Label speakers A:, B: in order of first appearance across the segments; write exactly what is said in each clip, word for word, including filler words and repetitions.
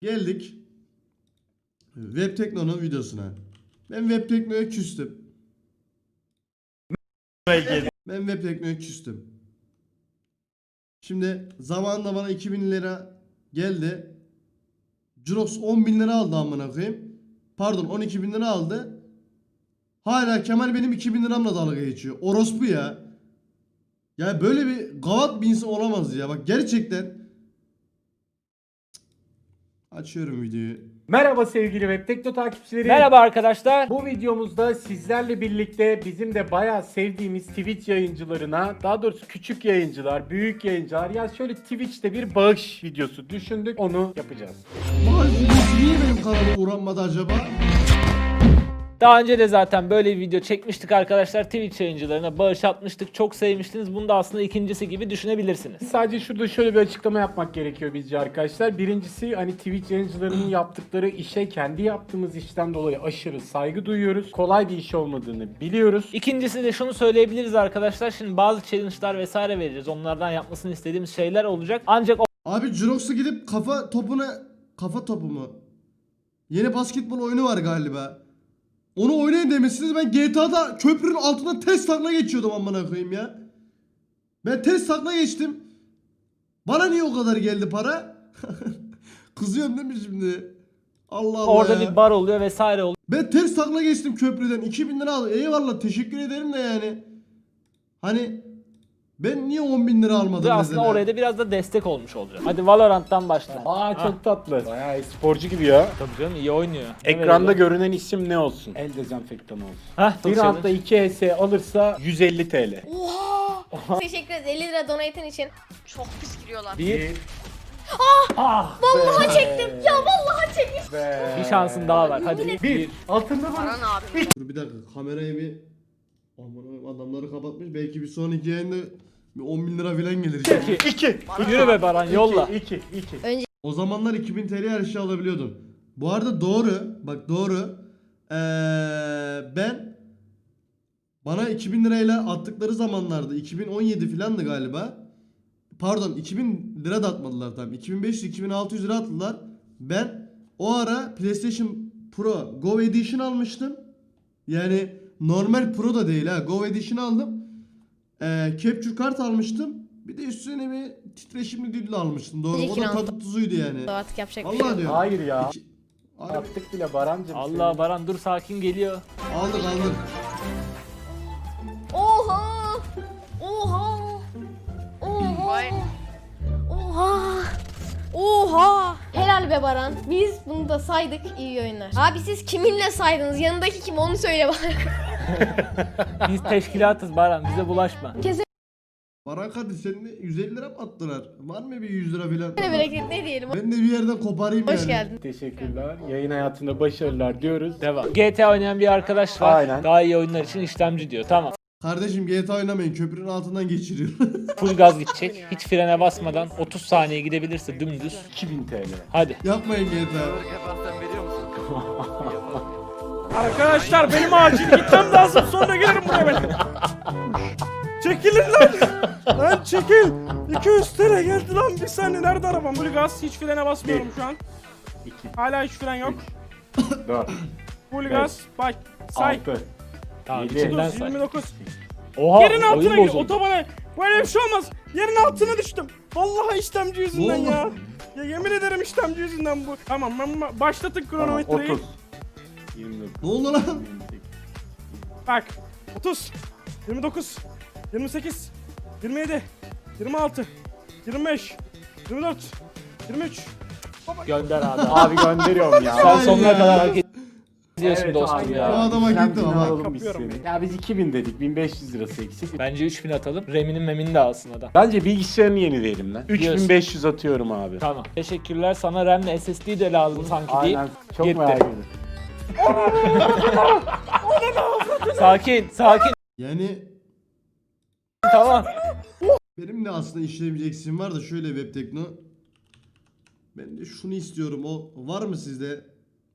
A: Geldik Webtekno'nun videosuna. Ben Webtekno'ya küstüm. Ben Webtekno'ya küstüm. Şimdi zamanında bana iki bin lira geldi. Jurox on bin lira aldı amına koyayım. Pardon on iki bin lira aldı. Hala Kemal benim iki bin liramla dalga geçiyor. Orospu ya. Ya böyle bir gavat bir insan olamaz ya. Bak gerçekten. Açıyorum videoyu.
B: Merhaba sevgili Web Tekno takipçileri.
C: Merhaba arkadaşlar.
B: Bu videomuzda sizlerle birlikte bizim de bayağı sevdiğimiz Twitch yayıncılarına, daha doğrusu küçük yayıncılar, büyük yayıncılar, ya şöyle Twitch'te bir bağış videosu düşündük, onu yapacağız.
A: Maalesef niye benim kanalıma uğranmadı acaba?
C: Daha önce de zaten böyle bir video çekmiştik arkadaşlar. Twitch yayıncılarına bağış atmıştık. Çok sevmiştiniz. Bunu da aslında ikincisi gibi düşünebilirsiniz.
B: Sadece şurada şöyle bir açıklama yapmak gerekiyor bizce arkadaşlar. Birincisi, hani Twitch yayıncılarının yaptıkları işe kendi yaptığımız işten dolayı aşırı saygı duyuyoruz. Kolay bir iş olmadığını biliyoruz.
C: İkincisi de şunu söyleyebiliriz arkadaşlar. Şimdi bazı challenge'lar vesaire vereceğiz. Onlardan yapmasını istediğimiz şeyler olacak. Ancak o
A: Abi Jurox'a gidip kafa topuna... Kafa topu mu? Yeni basketbol oyunu var galiba. Onu oynayın demişsiniz. Ben G T A'da köprünün altından test takla geçiyordum amına koyayım ya. Ben test takla geçtim. Bana niye o kadar geldi para? Kızıyorum değil mi şimdi? Allah Allah
C: orada
A: ya.
C: bir bar oluyor vesaire oluyor.
A: Ben ters takla geçtim köprüden. iki bin lira aldım. Eyvallah teşekkür ederim de yani. Hani ben niye on bin lira almadım
C: Aslında
A: mesela?
C: oraya da biraz da destek olmuş olacak. Hadi Valorant'tan başla.
B: Aa çok tatlı. Bayağı sporcu gibi ya.
C: Tabii canım iyi oynuyor.
B: Ekranda görünen isim ne olsun? El dezenfektanı olsun.
C: Hah,
B: Bir
C: çok
B: anda
C: challenge.
B: iki E S alırsa yüz elli TL.
D: Oha! Teşekkür ederiz elli lira donate'in için.
E: Çok pis giriyorlar.
B: Bir.
C: Ah,
D: Vallahi çektim. Ya vallahi çektim.
B: Ve...
C: bir şansın daha var. Hadi.
B: Bir.
C: Bir.
B: Altında var.
E: Baran abi.
A: Dur bir dakika kamerayı bir... Aman adamları kapatmış. Belki bir sonraki yayında bir on bin lira falan gelir.
C: İki.
B: İki.
C: Yürü be Baran yolla.
B: İki. İki. iki.
A: O zamanlar iki bin TL her şey alabiliyordum. Bu arada doğru. Bak doğru. Ee, ben bana iki bin lirayla attıkları zamanlarda iki bin on yedi falandı galiba. Pardon iki bin lira da atmadılar tam. iki bin beş yüz iki bin altı yüz lira attılar. Ben o ara PlayStation Pro Go Edition almıştım. Yani normal Pro da değil ha. Go Edition aldım. Ee, capture kart almıştım. Bir de üstüne bir titreşimli düdül almıştım. Doğru. O da
D: İki
A: tadı tuzuydu yani.
D: Artık yapacak bir şey
A: Vallahi
D: yok.
A: diyorum.
B: Hayır ya.
A: İki- Abi,
B: Attık bile Barancım.
C: Allah Baran dur sakin geliyor.
A: aldık aldık.
D: Oha! Oha! Oha!
E: Vay.
D: Oha! Oha! Helal be Baran. Biz bunu da saydık. İyi oyunlar. Abi siz kiminle saydınız? Yanındaki kim? Onu söyle bana.
C: Biz teşkilatız Baran bize bulaşma.
A: Baran hadi senin de yüz elli lira mı attılar? Var mı bir yüz lira falan?
D: Ne bereket ne diyelim.
A: Ben de bir yerden koparayım yani.
D: Hoş geldin.
B: Teşekkürler. Yayın hayatında başarılar diyoruz.
C: Devam. G T A oynayan bir arkadaş var.
B: Aynen.
C: Daha iyi oyunlar için işlemci diyor. Tamam.
A: Kardeşim G T A oynamayın. Köprünün altından geçiriyor.
C: Full gaz gidecek. Hiç frene basmadan otuz saniye gidebilirse dümdüz.
B: iki bin TL.
C: Hadi.
A: Yapmayın G T A.
F: Arkadaşlar benim acil gitmem lazım, sonra gelirim buraya ben. Çekilin lan. Lan çekil. iki yüz T L geldi lan, bir saniye, nerede arabam? Full gaz, hiç frene basmıyorum şu an.
B: iki.
F: Hala hiç fren yok.
B: dört.
F: Full gaz, bak say.
B: altı.
C: Tamam
B: Yedi.
C: içinden
F: otuz,
C: say.
F: yirmi dokuz.
C: Oha
F: Yerin altına
C: oyun
F: gir,
C: bozuldu.
F: otobana. Böyle bir şey olmaz. Yerin altına düştüm. Vallahi işlemci yüzünden
A: Ne
F: ya.
A: oldu?
F: Ya yemin ederim işlemci yüzünden bu. Tamam, ben ba- başlatın
B: Tamam,
F: kronometreyi.
B: otuz. yirmi dokuz.
A: Ne oldu lan?
B: yirmi sekiz.
F: Bak. otuz, yirmi dokuz, yirmi sekiz, yirmi yedi, yirmi altı, yirmi beş, yirmi dört, yirmi üç.
C: Gönder abi.
B: Abi gönderiyorum ya.
C: Sen sonuna
A: ya.
C: kadar hak ediyorsun
B: Evet
C: dostum
B: abi
C: ya.
A: Bu adama
B: İşlemcini
A: gitti ama.
B: alalım biz
F: Kapıyorum
B: seni. Ya biz iki bin dedik. bin beş yüz lirası eksik.
C: Bence üç bin atalım. Reminin memini de alsın adam.
B: Bence bilgisayarını yenileyelim lan. üç bin beş yüz atıyorum abi.
C: Tamam. Teşekkürler. Sana RAM'le S S D de lazım sanki değil.
B: Aynen. Çok
C: Gitti.
B: merak ediyorum.
C: Sakin, sakin.
A: Yani
C: Tamam.
A: benim de aslında işlemci eksiğim var da şöyle Webtekno. Ben de şunu istiyorum. O var mı sizde?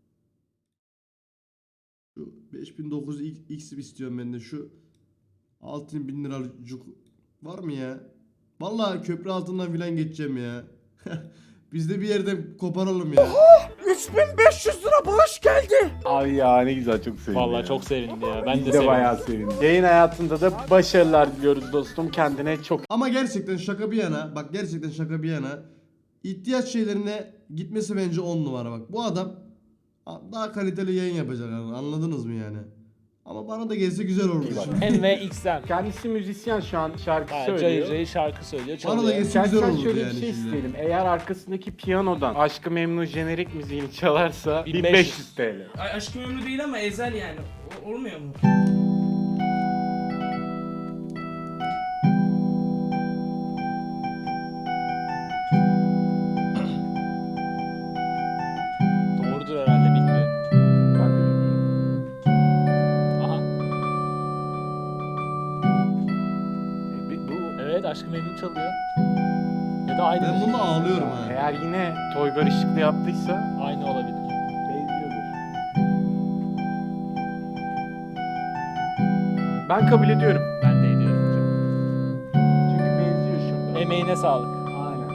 A: Şu beş bin dokuz yüz X istiyorum ben de. Şu altı bin liralık var mı ya? Vallahi köprü altından filan geçeceğim ya. Biz de bir yerden koparalım ya.
F: üç bin beş yüz lira bağış geldi.
B: Abi ya ne güzel, çok sevindim.
C: Vallahi
B: ya.
C: çok sevindi ya. Ben
B: Biz
C: de
B: de
C: sevindim.
B: bayağı sevindim. Yayın hayatında da başarılar diliyoruz dostum. Kendine çok
A: Ama gerçekten şaka bir yana, bak gerçekten şaka bir yana, ihtiyaç şeylerine gitmesi bence on numara bak. Bu adam daha kaliteli yayın yapacak yani, anladınız mı yani? Ama bana da gelse güzel olurdu.
C: M ve X M.
B: Kendisi müzisyen, şu an şarkı
C: Ha,
B: söylüyor.
C: Cayır cayır şarkı söylüyor.
A: Bana da
C: Çalıyor.
A: geçsin. Güzel
B: Gerçekten
A: olurdu
B: şöyle
A: yani
B: bir şey
A: şimdi.
B: isteyelim. Eğer arkasındaki piyanodan Aşk-ı Memnu jenerik müziğini çalarsa
C: bin
B: bin
C: beş
B: beş
C: yüz
B: yüz T L.
F: Ay, aşkım ömrü değil ama ezel yani. O- olmuyor mu?
C: Doğrudur herhalde, bilmiyorum.
B: Ben de bilmiyorum.
C: Aha.
B: E, bi- bu
C: Evet, Aşk-ı Memnu çalıyor. Ya da aynı
A: Ben
C: müzik.
A: bunda ağlıyorum ha.
B: eğer yine Toygar Işıklı yaptıysa
C: Aynı olabilir.
B: benziyordur. Ben kabul ediyorum.
C: Ben de ediyorum hocam.
B: Çünkü benziyor şurada.
C: Emeğine sağlık.
B: Aynen.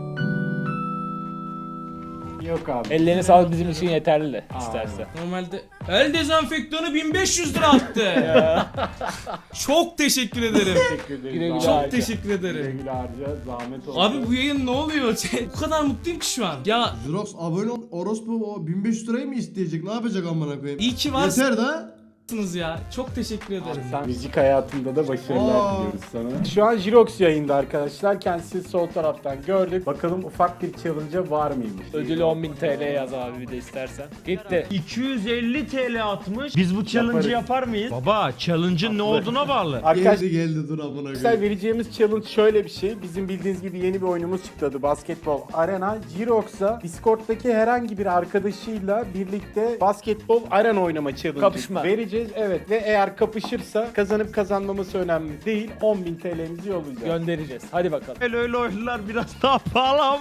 B: Yok abi.
C: Ellerine sağlık bizim için yeterli de
B: Aa.
C: isterse.
F: Normalde el dezenfektanı bin beş yüz lira attı. Çok teşekkür ederim.
B: Teşekkür ederim.
C: Güle güle
B: Zahmet-
F: Çok
C: harca.
F: teşekkür
B: Güle
F: ederim.
B: güle harca. Zahmet oldu.
F: Abi bu yayın ne oluyor? Bu kadar mutluyum ki şu an. Ya
A: Xerox abone ol, orospu o bin beş yüz lirayı mı isteyecek? Ne yapacak amına koyayım?
F: iyi ki varsınız
A: Yeter da.
F: ya. Çok teşekkür ederim.
B: Sen müzik hayatında da başarılar
A: Aa.
B: diliyoruz sana. Şu an Jirox yayında arkadaşlar. Kendisi sol taraftan gördük. Bakalım ufak bir challenge'a var mıymış?
C: Ödülü on bin T L yaz abi bir de istersen. Gitti.
E: iki yüz elli T L atmış. Biz bu challenge'ı
B: Yaparız.
E: yapar mıyız? Baba, challenge'ın ne olduğuna bağlı.
B: Arkadaşlar
A: Geldi geldi dur amına
B: Arkadaşlar
A: koyayım.
B: vereceğimiz challenge şöyle bir şey. Bizim bildiğiniz gibi yeni bir oyunumuz çıktı adı Basketbol Arena. Jirox'a Discord'daki herhangi bir arkadaşıyla birlikte basketbol arena oynama challenge
C: Kapışma.
B: vereceğiz. Evet ve eğer kapışırsa kazanıp kazanmaması önemli değil. on bin T L'mizi yollayacağız.
C: Göndereceğiz. Hadi bakalım.
E: Öyle öyle oyunlar biraz daha pahalı ama.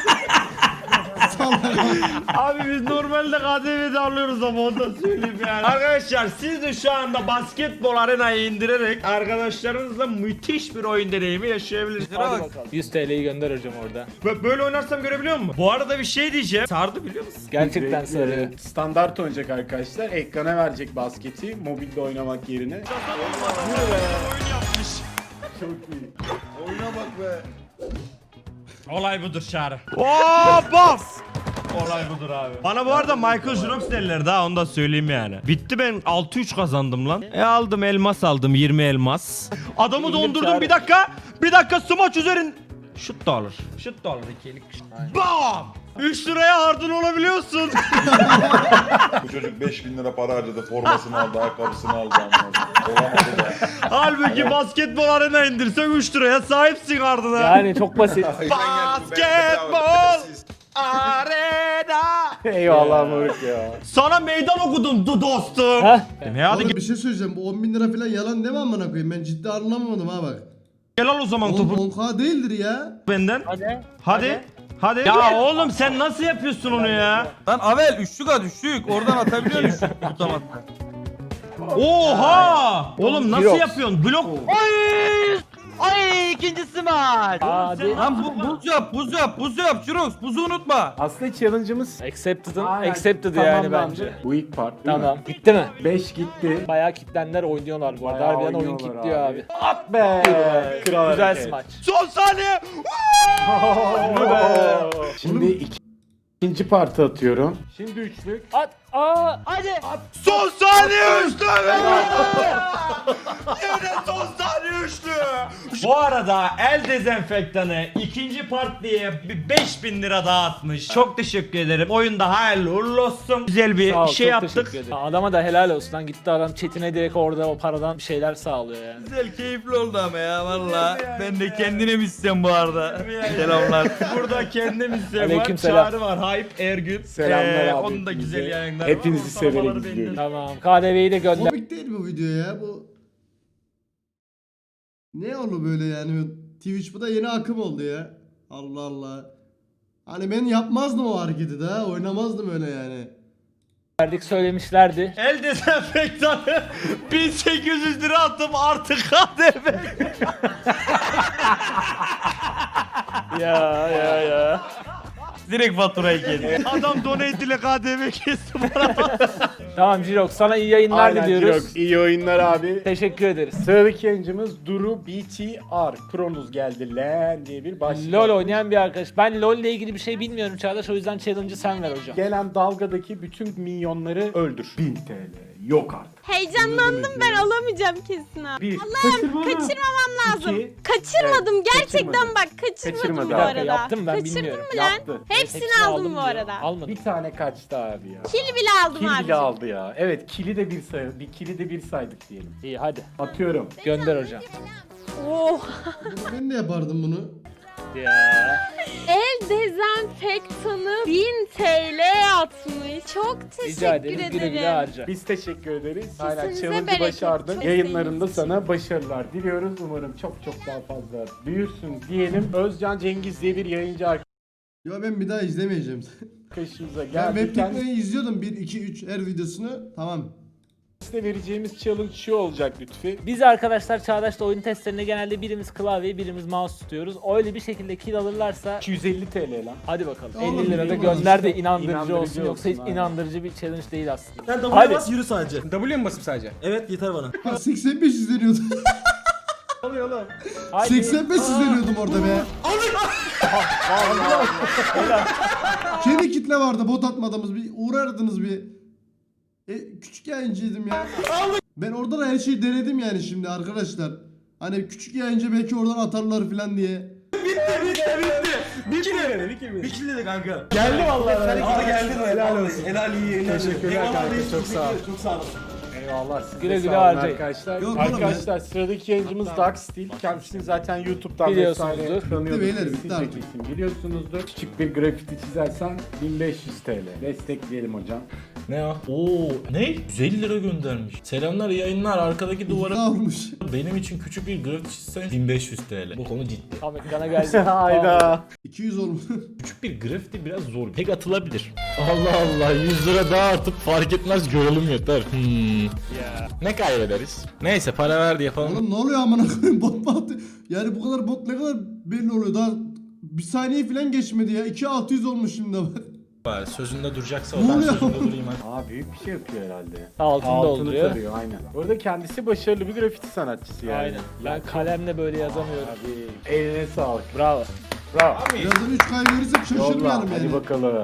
E: Abi biz normalde K D V'de alıyoruz ama onu da söyleyeyim yani. Arkadaşlar siz de şu anda basketbol arenayı indirerek arkadaşlarınızla müthiş bir oyun deneyimi yaşayabilirsiniz.
C: Hadi bakalım. yüz T L'yi gönder hocam orada.
E: Bö- Böyle oynarsam görebiliyor musun? Bu arada bir şey diyeceğim. Sardı biliyor musun?
C: Gerçekten
B: Direkt,
C: sarıyor.
B: e, Standart oynayacak arkadaşlar. Ekrana verecek basketi mobilde oynamak yerine.
E: Oyun yapmış.
B: Çok iyi.
E: Olay budur Çağrı. Oo bas! Olay budur abi. Bana bu arada Michael Jirox derler daha, onu da söyleyeyim yani. Bitti, ben altı üç kazandım lan. E aldım elmas aldım, yirmi elmas. Adamı
C: İndim
E: dondurdum,
C: Çağrı.
E: bir dakika. Bir dakika smaç üzerin. Şut da alır. Şut da alır ikilik. Bam! üç liraya hardın olabiliyorsun.
G: Bu çocuk beş bin lira para harcadı, formasını aldı, ayakkabısını aldı. anladın. Olamadı da.
E: Halbuki basketbol arena indirsen üç liraya sahipsin hardına.
C: Yani çok basit.
E: Basketbol arena.
B: Eyvallah moruk ya.
E: Sana meydan okudum du dostum.
C: Heh.
E: Ne hadi
A: Oğlum bir şey söyleyeceğim. Bu on bin lira falan yalan değil mi amına koyayım? Ben ciddi anlamadım ha bak.
E: gel al o zaman
A: Oğlum
E: topu
A: on K değildir ya.
E: benden.
C: Hadi.
E: Hadi. Hadi. Ya oğlum sen nasıl yapıyorsun onu ya?
H: Lan Avel üçlük at üçlük. Oradan atabiliyor musun? Tutamazsan.
E: Oha! Oğlum nasıl
C: Jirox.
E: yapıyorsun? Blok. Ay!
H: Ay ikincisi maç.
C: Hadi.
H: Lan bu, buz yap buz yap buz yap Jirox buzu unutma.
B: Aslında challenge'ımız
C: Accepted'ın
B: Aynen,
C: accepted yani
B: tamamlandı.
C: bence.
B: Bu ilk part değil
C: Tamam. Gitti mi?
B: mi? beş gitti.
C: Bayağı kitlenler oynuyorlar bu arada.
B: Bayağı
C: Harbiden oyun
B: oynuyorlar
C: kitliyor abi.
B: abi. At be. Kral
C: Güzel
B: hareket.
C: smaç.
E: Son saniye.
B: Şimdi iki, ikinci partı atıyorum. Şimdi üçlük.
C: At. Aa. Hadi.
E: Son saniye üçlü. Yine son saniye üçlü. Bu arada el dezenfektanı ikinci part diye bir beş bin lira daha atmış. Çok teşekkür ederim. Oyunda hayırlı uğurlu olsun. Güzel bir
C: Sağ ol,
E: şey
C: çok
E: yaptık.
C: teşekkür ederim. Adama da helal olsun lan. Gitti adam chatine direkt orada o paradan bir şeyler sağlıyor yani.
H: Güzel keyifli oldu ama ya valla. Ben de kendine mi istiyorum bu arada? Selamlar.
E: Burada kendim istedim var.
C: Aleykümselam.
E: Çağrı var. Hype Ergün.
B: Selamlar
E: Ee,
B: abi.
E: Onun da güzel
B: hepinize.
E: yayınları
B: Hepinizi
E: var.
B: severek
E: Ortalamaları
B: izliyorum.
E: belli.
C: Tamam. K D V'yi de gönder.
A: Komik değil bu video ya bu. Ne oldu böyle yani? Twitch bu da yeni akım oldu ya. Allah Allah. Hani ben yapmazdım o hareketi daha. Oynamazdım öyle yani.
C: Verdik söylemişlerdi.
E: El dezenfektanı bin sekiz yüz lira attım artık K D V.
C: Ya ya ya.
H: Direkt faturayı geliyor.
E: Adam donate ile K D V kesti bana.
C: Tamam Jirok, sana iyi yayınlar
B: Aynen,
C: diliyoruz.
B: Jirox, İyi oyunlar abi.
C: Teşekkür ederiz.
B: Sıradaki yayıncımız Duru B T R. Kronuz geldi lan diye bir başlık.
C: LoL oynayan bir arkadaş. Ben LoL ile ilgili bir şey bilmiyorum Çağdaş, o yüzden challenge'ı sen ver hocam.
B: Gelen dalgadaki bütün minyonları öldür. bin T L. Yok artık.
I: Heyecanlandım, ben alamayacağım kesin ha.
B: Bir.
I: Allah'ım kaçırmamam lazım.
B: İki.
I: Kaçırmadım
B: Evet,
I: gerçekten,
B: kaçırmadı.
I: bak kaçırmadım
B: Kaçırmadı.
I: bu
B: Bir
C: dakika,
I: arada.
C: yaptım ben,
I: Kaçırdın
C: bilmiyorum.
I: mı lan?
B: Yaptı.
I: Hepsini
C: Hepsini
I: aldım bu
C: diyor.
I: arada.
C: Almadım.
B: Bir tane kaçtı abi ya.
I: Kil bile aldım
B: Kil
I: abi.
B: bile aldı ya. Evet, kili de bir say bir kili de bir saydık diyelim.
C: İyi hadi.
B: Atıyorum.
C: Gönder hocam.
I: Oh.
A: Ben de yapardım bunu.
C: Ya.
I: El dezenfektanı bin T L atmış. Çok teşekkür
C: Rica ederim. Güle güle
I: ederim.
C: harca.
B: Biz teşekkür ederiz. Hala
I: Kesinize
B: challenge'ı
I: bereket.
B: başardın.
I: Çok
B: Yayınlarında
I: sevdiğiniz
B: sana başarılar diliyoruz. Umarım çok çok daha fazla büyürsün diyelim. Özcan Cengiz diye bir yayıncı
A: Ya ben bir daha izlemeyeceğim.
B: arkadaşımıza
A: Ben
B: geldi.
A: web
B: Kendisine
A: teknoloji izliyordum. bir, iki, üç her videosunu. Tamam.
B: vereceğimiz challenge şu olacak Lütfi.
C: Biz arkadaşlar Çağdaş'ta oyun testlerinde genelde birimiz klavyeyi birimiz mouse tutuyoruz. Öyle bir şekilde kill alırlarsa
B: iki yüz elli T L lan.
C: hadi bakalım.
A: Oğlum,
C: elli lira da
A: bilmiyorum.
C: gönder de inandırıcı,
B: İnandırıcı
C: olsun, yoksa hiç
B: olsun, aynen.
C: inandırıcı bir challenge değil aslında.
H: Sen W'ye
C: Hadi.
H: bas yürü sadece.
F: W'ye mi basıp sadece?
H: Evet yeter bana.
A: Ha, seksen beş izleniyordu.
C: Haydi.
A: seksen beş izleniyordum orada be. Kendi kitle vardı bot atmadığımız, bir uğrardınız bir. E, küçük yayıncıydım ya. Ben orada da her şeyi denedim yani şimdi arkadaşlar. Hani küçük yayıncı belki oradan atarlar falan diye.
F: Bir kill dedi, bir kill
H: Bir kill dedi kanka.
B: Geldi vallahi.
H: Aa geldin helal olsun. Helal iyi.
B: Teşekkürler kanka, çok sağ ol.
H: Çok sağ olun.
B: Eyvallah. size
C: Güle güle
B: sağ olun
C: harcayın.
B: arkadaşlar.
A: Yok oğlum
B: arkadaşlar sıradaki yayıncımız Dark Steel. Kendisini zaten YouTube'dan
C: Biliyorsunuzdur.
B: vesaire tanıyorsunuz.
A: Bitti beyler,
B: Siz
A: bitti artık.
B: çekilsin, biliyorsunuzdur. Küçük bir grafiti çizersen bin beş yüz T L. Destekleyelim hocam.
J: Ne ya? Oo, ne? yüz elli lira göndermiş. Selamlar, yayınlar. Arkadaki duvara
A: Ne olmuş?
J: benim için küçük bir grafik çizsen bin beş yüz T L. Bu konu ciddi.
C: Tam ekrana geldi.
B: Hayda.
A: iki yüz olmuş.
J: Küçük bir grafiti biraz zor. Pek atılabilir. Allah Allah, yüz lira daha atıp fark etmez, görelim yeter. Hmm. Ya. Ne kaybederiz? Neyse, para verdi yapalım.
A: Oğlum ne oluyor amına koyayım, bot mu attı? Yani bu kadar bot ne kadar belli oluyor, daha bir saniye falan geçmedi ya. iki bin altı yüz olmuş şimdi bak.
J: Bari sözünde duracaksa
A: Ne
J: o, ben
A: oluyor?
J: sözünde durayım hadi.
B: Aa büyük bir şey yapıyor herhalde.
C: Altını dolduruyor.
B: tarıyor aynen. Orada kendisi başarılı bir grafiti sanatçısı yani.
C: Aynen. Ben kalemle böyle yazamıyorum.
B: Abi eline sağlık.
C: Bravo.
B: Bravo.
A: Birazdan üç kaybedirsek
B: Yolla.
A: şaşırmayalım
B: Hadi
A: yani.
B: bakalım.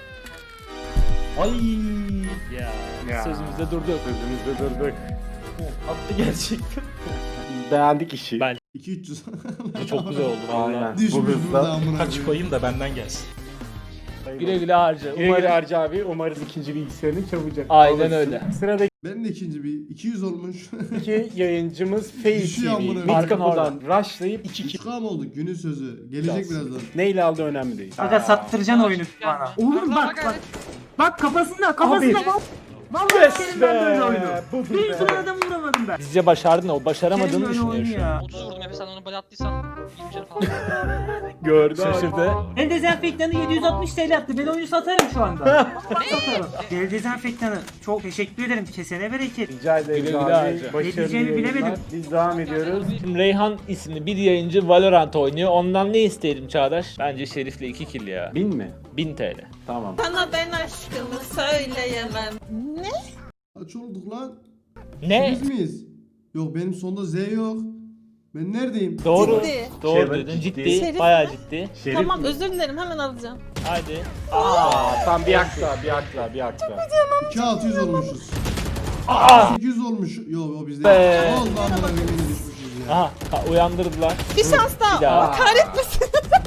J: Ay.
C: Ya.
B: Ya.
C: Sözümüzde durduk.
B: Sözümüzde durduk.
J: Attı gerçekten.
B: Beğendik işi.
C: Ben-
A: iki bin üç yüz.
C: Çok güzel oldu vallahi.
B: Aynen.
A: Düşmüş
B: Bu
A: burada
B: hızla.
A: amına
J: Kaç
A: koyayım.
J: koyayım da benden gelsin.
C: Güle güle harca.
B: Güle
C: Umarım
B: güle Harcı abi. Umarız ikinci bilgisayarını çabucak
C: Aynen
B: alırsın.
C: öyle.
B: Sıradaki
A: Ben de ikinci bir iki yüz olmuş.
B: yayıncımız Faye
A: Düşüyor
B: T V.
A: amına
B: Mid
A: koyayım.
B: kapıdan rushlayıp iki
A: üç K mı oldu? Günün sözü. Gelecek birazdan.
B: neyle aldığı önemli değil.
F: Aga sattıracaksın oyunu bana. Oğlum bak bak. Bak kafasında kafasında
B: Abi.
F: bak. Vallahi senin ben böyle oyunu.
B: Budur
F: Bir
B: be.
F: tane adam vuramadım ben.
C: Bizce başardın, o başaramadığını
F: Senin böyle
C: düşünüyor
F: oyunu
C: şu an.
F: ya.
K: otuz vurdum Efe, sen onu böyle attıysan yirmi canı falan.
B: Gördü.
C: Şaşırdı.
F: El dezenfektanı yedi yüz altmış T L attı. Ben oyunu satarım şu anda. Satarım. El dezenfektanı. Çok teşekkür ederim. Kesene bereket.
B: Rica ederiz
C: Güle güle
B: abi.
C: harca.
B: Başarılı
F: Ne diyeceğimi
B: yayınlar.
F: bilemedim.
B: Biz devam ediyoruz.
C: Şimdi Reyhan isimli bir yayıncı Valorant oynuyor. Ondan ne isteyelim Çağdaş? Bence Şerif'le iki kill ya.
B: Bin mi?
C: bin T L.
B: Tamam.
I: Sana ben aşkımı söyleyemem.
A: Kaç olduk lan?
C: Ne?
A: Biz miyiz? Yok benim sonda Z yok. Ben neredeyim?
C: Doğru.
I: Ciddi.
C: Doğru
B: Şerif
C: dedin.
B: ciddi.
C: Ciddi.
I: Şerif
C: Bayağı
I: mi?
C: ciddi.
B: Şerif
I: Tamam
B: mi?
I: özür dilerim, hemen alacağım.
C: Haydi.
B: Aa, tam bir akla, bir akla, bir akla.
A: iki bin altı yüz olmuşuz.
C: Aa!
A: sekiz yüz olmuş. Yo o bizde.
C: Be.
A: Oldu amına koyayım yine düşmüşüz ya.
C: Aha, ka- uyandırdılar.
I: Bir şans daha.
C: Bir daha.
I: Kahretmesin.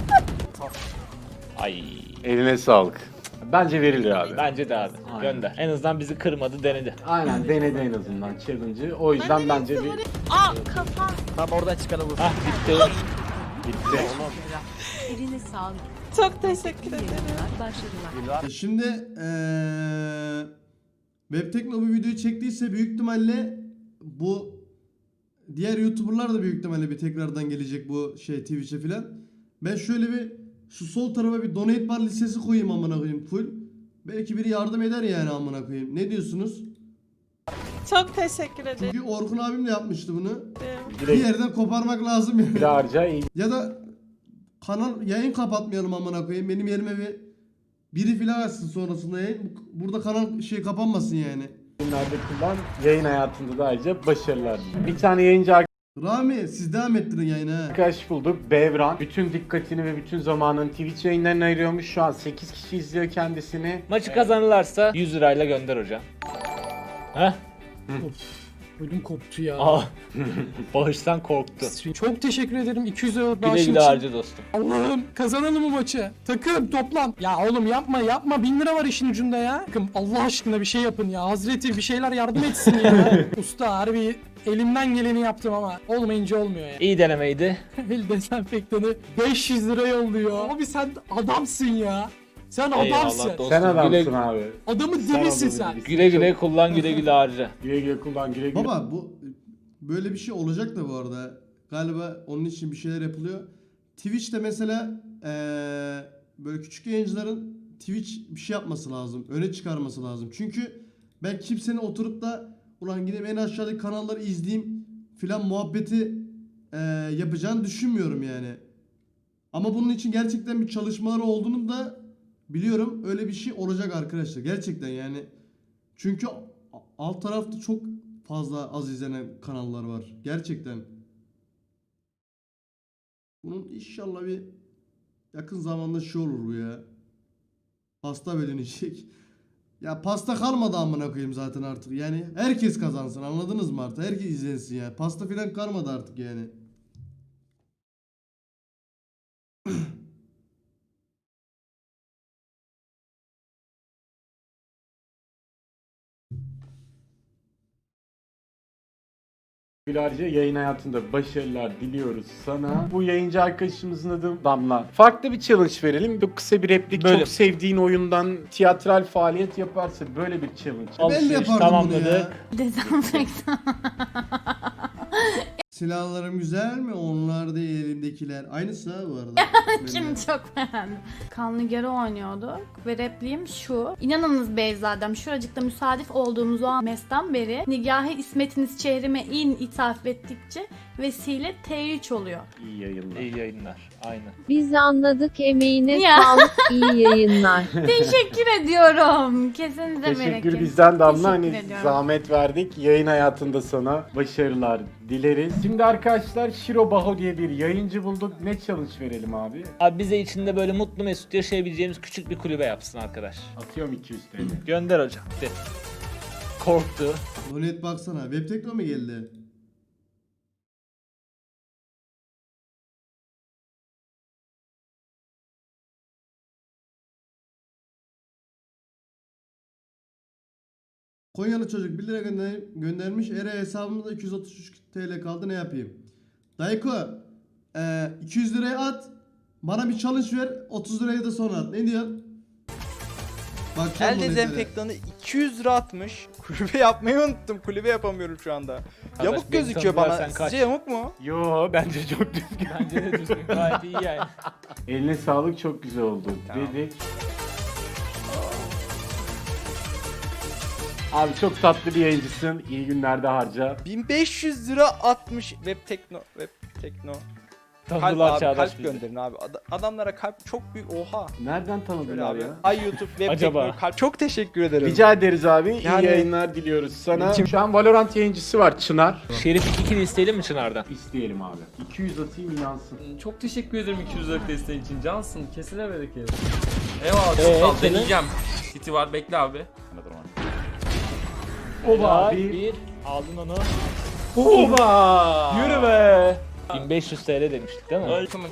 C: Ay.
B: Eline sağlık. Bence verilir abi.
C: Bence de abi.
B: Aynen.
C: Gönder. En azından bizi kırmadı, denedi.
B: Aynen denedi en azından challenge'ı. O yüzden bence bir
I: Aa kafam.
H: Tam oradan çıkanı vur.
C: Hah bitti.
B: bitti.
I: Eline sağlık. Çok teşekkür ederim. Başarılar.
A: E Şimdi eee Web Tekno bu videoyu çektiyse büyük ihtimalle bu diğer YouTuber'lar da büyük ihtimalle bir tekrardan gelecek bu şey Twitch'e filan. Ben şöyle bir şu sol tarafa bir donate bar listesi koyayım amına koyayım full. Belki biri yardım eder yani amına koyayım. Ne diyorsunuz?
I: Çok teşekkür ederim.
A: Çünkü Orkun abim de yapmıştı bunu. Bir
B: Direkt
A: yerden koparmak lazım yani.
B: bir harca iyi.
A: Ya da kanal yayın kapatmayalım amına koyayım. Benim yerime bir biri filan açsın sonrasında yayın. Burada kanal şey kapanmasın yani.
B: Yayınlarda kullan, yayın hayatında da ayrıca başarılar diliyorum. Bir tane yayıncı
A: Rami siz devam ettirin yayını ha.
B: arkadaş bulduk. Bevran. Bütün dikkatini ve bütün zamanını Twitch yayınlarına ayırıyormuş. Şu an sekiz kişi izliyor kendisini.
C: Maçı kazanırlarsa yüz lirayla gönder hocam. Heh.
F: Ödüm koptu ya.
C: Aa. Bağıştan korktu.
F: Çok teşekkür ederim iki yüz liralık
C: Güle
F: bağışın
C: güle
F: için.
C: harca dostum.
F: Allah'ım kazanalım bu maçı. Takım toplan. Ya oğlum yapma yapma. Bin lira var işin ucunda ya. Takım Allah aşkına bir şey yapın ya. Hazreti bir şeyler yardım etsin ya. Usta harbi elimden geleni yaptım ama olmayınca olmuyor ya.
C: İyi denemeydi.
F: El dezenfektanı beş yüz lira yolluyor. Abi sen adamsın ya. Sen adamsın.
C: dostum.
B: Sen adamsın
C: Güle,
B: abi.
F: Adamın
B: Sen
F: dibisin
B: adamın
F: sen.
B: dibisin.
C: güle güle kullan, güle güle harca.
B: Güle güle kullan, güle güle.
A: Baba bu böyle bir şey olacak da bu arada. Galiba onun için bir şeyler yapılıyor. Twitch'te mesela eee, böyle küçük yayıncıların Twitch bir şey yapması lazım. Öne çıkarması lazım. Çünkü ben kimsenin oturup da ulan gidip en aşağıdaki kanalları izleyeyim filan muhabbeti eee, yapacağını düşünmüyorum yani. Ama bunun için gerçekten bir çalışmaları olduğunu da biliyorum. Öyle bir şey olacak arkadaşlar. Gerçekten yani. Çünkü alt tarafta çok fazla az izlenen kanallar var. Gerçekten. Bunun inşallah bir yakın zamanda şey olur bu ya. Pasta bölünecek. Ya pasta kalmadı amına koyayım zaten artık. Yani herkes kazansın, anladınız mı artık? Herkes izlensin ya. Pasta filan kalmadı artık yani.
B: Gülerce yayın hayatında başarılar diliyoruz sana. Bu yayıncı arkadaşımızın adı Damla. Farklı bir challenge verelim. Çok kısa bir replik.
C: Böyle.
B: Çok sevdiğin oyundan tiyatral faaliyet yaparsa böyle bir challenge.
A: Ben de
C: Alışveriş
A: yapardım
C: tamamladık.
A: bunu ya.
I: Dezenfektan.
A: Silahlarım güzel mi? Onlar değil elimdekiler. Aynısı ha bu arada.
I: Kim çok beğendim. Kanlı Geri oynuyorduk ve repliğim şu. İnanınız Beyzadem şuracıkta müsadif olduğumuz o mesten beri nigahı ismetiniz çehrime in ithaf ettikçe vesile T üç oluyor.
B: İyi yayınlar.
C: İyi yayınlar. Aynen.
L: Biz anladık, emeğine
I: Ya.
L: sağlık, iyi yayınlar.
I: Teşekkür ediyorum. Kesinize bereket.
B: Teşekkür bizden Damla. Hani
I: Teşekkür ediyorum.
B: zahmet verdik. Yayın hayatında sana başarılar dileriz. Şimdi arkadaşlar Shiro Baho diye bir yayıncı bulduk. Ne challenge verelim abi?
C: Abi bize içinde böyle mutlu mesut yaşayabileceğimiz küçük bir kulübe yapsın arkadaş.
B: Atıyorum iki yüz T L.
C: Gönder hocam. De. Korktu.
A: Donet baksana. Webtekno mu geldi? Konyalı çocuk bir lira gönder göndermiş. Ere hesabımda iki yüz otuz üç T L kaldı, ne yapayım? Dayko e, iki yüz liraya at. Bana bir challenge ver. otuz liraya da sonra at. Ne diyorsun? Bak
H: El dezenfektanı iki yüz lira atmış. Kulübe yapmayı unuttum. Kulübe yapamıyorum şu anda.
C: Arkadaş,
H: Yamuk
C: beni
H: gözüküyor
C: tanıdılar,
H: bana.
C: sen kaç.
H: Sizce yamuk mu?
B: Yo bence çok düzgün.
C: Bence de düzgün. Gayet iyi yani.
B: Eline sağlık, çok güzel oldu
H: Tamam.
B: dedik. Abi çok tatlı bir yayıncısın. İyi günlerde harca.
H: bin beş yüz lira atmış. Web Tekno. Web Tekno. Kalp
C: Tanıdılar
H: abi,
C: Çağdaş
H: kalp
C: bizi.
H: gönderin abi. Ad- adamlara kalp çok büyük. Oha.
B: Nereden
H: Böyle
B: tanıdılar
H: abi.
B: ya?
H: Ay YouTube Web
C: Acaba?
H: Tekno kalp. Çok teşekkür ederim.
B: Rica ederiz abi.
H: Yani-
B: İyi yayınlar diliyoruz sana.
H: Kim-
B: Şu an Valorant yayıncısı var Çınar.
C: Şerif iki kill isteyelim mi Çınar'dan?
B: İsteyelim abi. iki yüz atayım inansın.
F: Çok teşekkür ederim iki yüz liralık desteğin için. Cansın. Kesine bereket. Eyvallah çok
C: Ee,
F: sağ ol.
C: senin?
F: Deneyeceğim. City var bekle abi.
B: Oba
C: bir.
B: bir.
C: bir. Aldın onu.
B: Oba.
C: Yürü be. bin beş yüz T L demiştik değil mi?
F: Ay, tamam.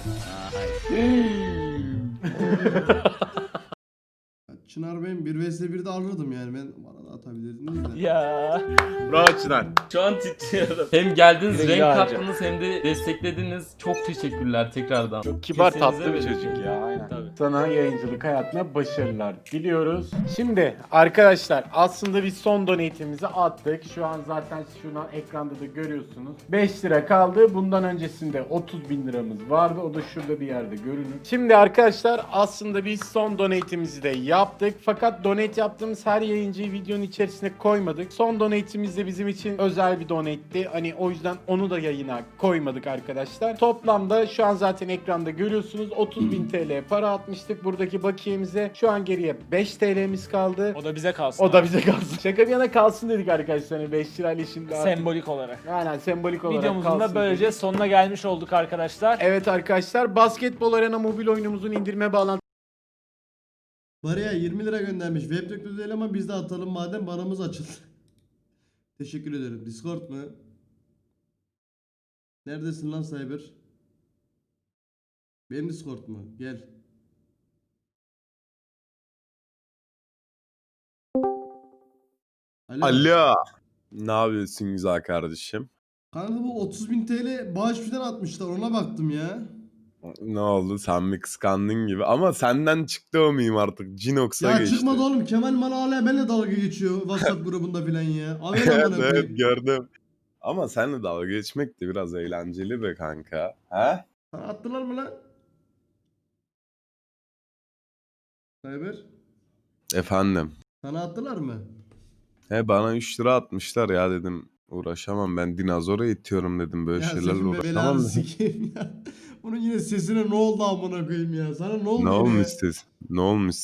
A: Çınar ben bir vs birde alırdım yani. Ben bana da atabilirdiniz de.
C: Ya.
B: Bravo Çınar.
F: Şu an titriyorum. Hem geldiniz,
C: Güle
F: renk
C: güle harca.
F: kattınız hem de desteklediniz. Çok teşekkürler tekrardan.
B: Çok kibar,
F: Kesinize
B: tatlı bir
F: bereket.
B: çocuk ya. Aynen.
F: Tabii.
B: Sana yayıncılık hayatına başarılar diliyoruz. Şimdi arkadaşlar aslında biz son donate'imizi attık. Şu an zaten şunu ekranda da görüyorsunuz. beş lira kaldı. Bundan öncesinde otuz bin liramız vardı. O da şurada bir yerde görünür. Şimdi arkadaşlar aslında biz son donate'imizi de yaptık. attık. Fakat donate yaptığımız her yayıncıyı videonun içerisine koymadık. Son donate'imiz de bizim için özel bir donate'ti. Hani o yüzden onu da yayına koymadık arkadaşlar. Toplamda şu an zaten ekranda görüyorsunuz otuz bin T L para atmıştık buradaki bakiyemize. Şu an geriye beş T L'miz kaldı.
C: O da bize kalsın.
B: O da bize kalsın. Şaka bir yana kalsın dedik arkadaşlar. Hani beş lirayla şimdi artık.
C: sembolik olarak.
B: Aynen sembolik olarak
C: Videomuzun
B: kalsın
C: da böylece
B: dedik.
C: sonuna gelmiş olduk arkadaşlar.
B: Evet arkadaşlar Basketbol Arena mobil oyunumuzun indirme bağlantısı
A: Bariya yirmi lira göndermiş. Web teknoloji değil ama biz de atalım madem baramız açıldı. Teşekkür ederim. Discord mu? Neredesin lan Cyber? Benim Discord mu? Gel. Alo.
M: Alo. Ne yapıyorsun güzel kardeşim?
A: Kanka bu otuz bin T L bağış falan atmışlar ona baktım ya.
M: Ne oldu sen mi kıskandın gibi ama senden çıktı o miyim artık Cinox'a
A: Ya
M: geçti.
A: çıkmadı oğlum Kemal Mala hala benimle dalga geçiyor WhatsApp grubunda falan ya. Abi amına
M: Evet
A: koyayım.
M: gördüm. Ama seninle dalga geçmek de biraz eğlenceli be kanka. He?
A: Sana attılar mı lan? Cyber.
M: Efendim.
A: Sana attılar mı?
M: He bana üç lira atmışlar ya dedim. Uğraşamam ben dinozora itiyorum dedim böyle
A: Ya
M: şeylerle
A: senin be
M: uğraşamam
A: belanı
M: dedim.
A: sikeyim ya. Bunun yine sesine ne oldu amına koyayım ya? Sana ne oldu
M: Ne
A: yine?
M: olmuş ses? Ne olmuş